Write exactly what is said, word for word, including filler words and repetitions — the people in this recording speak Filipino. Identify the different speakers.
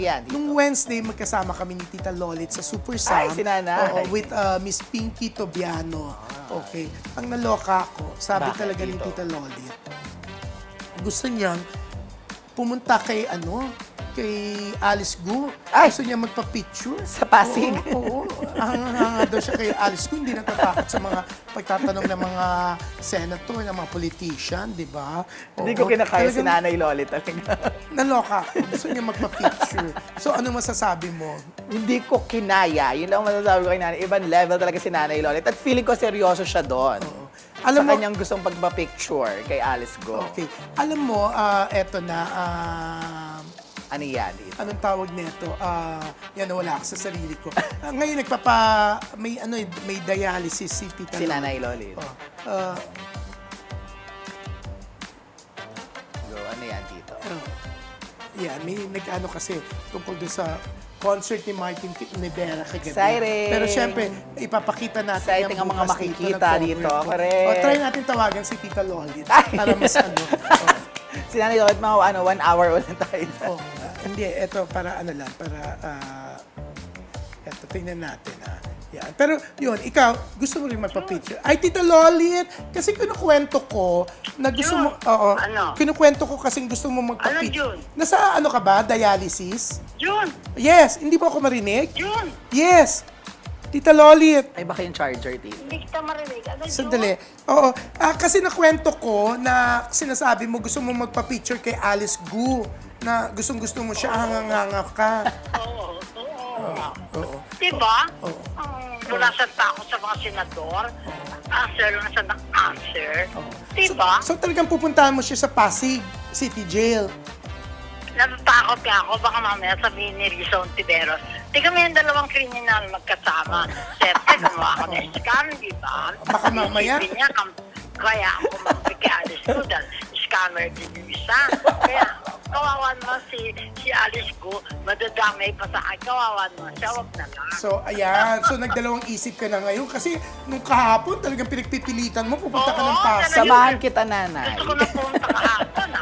Speaker 1: Yan, dito.
Speaker 2: Nung Wednesday, magkasama kami ni Tita Lolit sa Super Sam.
Speaker 1: Ay, si Nanay.
Speaker 2: Oo, with uh, Miss Pinky Tobiano. Okay. Ang naloka ko, sabi
Speaker 1: Bakit
Speaker 2: talaga ni
Speaker 1: dito?
Speaker 2: Tita Lolit, gusto niyang pumunta kay ano, kay Alice Gu.
Speaker 1: Ay!
Speaker 2: Gusto niya magpa-picture.
Speaker 1: Sa Pasig?
Speaker 2: Oo, oo. Hanga daw siya kay Alice Gu. Hindi natatakot sa mga pagtatanong ng mga senator, ng mga politician, di ba?
Speaker 1: Hindi
Speaker 2: Oo.
Speaker 1: ko kinakaya si
Speaker 2: Talagang
Speaker 1: Nanay Loli talaga.
Speaker 2: Naloka ako. Gusto niya magpa-picture. So, ano masasabi mo?
Speaker 1: Hindi ko kinaya. Yun lang ang masasabi ko kay Nanay. Ibang level talaga si Nanay Lolit. At feeling ko seryoso siya doon.
Speaker 2: Alam
Speaker 1: sa
Speaker 2: mo-
Speaker 1: kanyang gustong pagpa-picture kay Alice Go.
Speaker 2: Okay. Alam mo, ah, eto na, ah,
Speaker 1: Ano yan dito?
Speaker 2: anong tawag nito? Ah, yan, wala ako sa sarili ko. Ah, ngayon, nagpapa, may, ano, eh, may dialysis si Tita
Speaker 1: Si
Speaker 2: Lolit.
Speaker 1: Nanay Lolit.
Speaker 2: Oh, ah,
Speaker 1: Go, ano yan dito?
Speaker 2: oh, yan, may nag-ano kasi tungkol doon sa concert ni Martin Rivera kagabi.
Speaker 1: Exciting!
Speaker 2: Pero syempre, ipapakita natin
Speaker 1: Exciting
Speaker 2: yan
Speaker 1: ang mga
Speaker 2: bukas
Speaker 1: makikita
Speaker 2: na-cover
Speaker 1: dito.
Speaker 2: ko.
Speaker 1: Correct.
Speaker 2: O, try natin tawagan si Tita Lolit
Speaker 1: Ay!
Speaker 2: para mas ano. oh.
Speaker 1: Si Nanay Lolit, mga ano, one hour ulit tayo.
Speaker 2: Oh, ah, hindi, eto para ano lang, para, ah, eto, tingnan natin, ah. Yan. Pero yun, ikaw, gusto mo rin magpa-picture. Ay, Tita Lolit, kasi kinukwento ko na gusto mo,
Speaker 3: June.
Speaker 2: oo,
Speaker 3: Ano?
Speaker 2: kinukwento ko kasi gusto mo magpa-picture.
Speaker 3: June?
Speaker 2: Nasa ano ka ba, dialysis?
Speaker 3: June!
Speaker 2: Yes, hindi mo ako marinig?
Speaker 3: June!
Speaker 2: Yes, Tita Lolit.
Speaker 1: Ay, baka yung charger dito.
Speaker 3: Hindi kita marinig. Ano, June?
Speaker 2: Sandali. Oo. Ah, kasi nakwento ko na sinasabi mo gusto mo magpa-picture kay Alice Gu na gustong-gusto mo siya, hanganganga ka.
Speaker 3: Oo, oo.
Speaker 2: Oo.
Speaker 3: Diba?
Speaker 2: Oo.
Speaker 3: Ang wala sa takot sa mga senador. Answer lang sa answer. Diba?
Speaker 2: So, so talagang pupuntahan mo siya sa Pasig City Jail.
Speaker 3: Natatakot nga ako. Baka mamaya sabihin ni Rizzo Ontiveros. Di kami yung dalawang kriminal magkasama. Siyempre, gumawa ako ng scam, di ba?
Speaker 2: Baka mamaya-
Speaker 3: Isipin niya, kam- kaya ako kumapit Alice ko dahil scammer din yung isa. Kaya, kawawan mo si, si Alice ko, madadamay pa sa akin. Kawawan mo siya, wag na lang.
Speaker 2: So, ayan. So, nagdalawang isip ka na ngayon kasi nung kahapon talagang pinagpipilitan mo, pupunta ka ng
Speaker 3: Oo,
Speaker 2: Pasig.
Speaker 3: talaga.
Speaker 1: Samahan kita, Nanay.
Speaker 3: Gusto ko na pumunta kahapon, ha?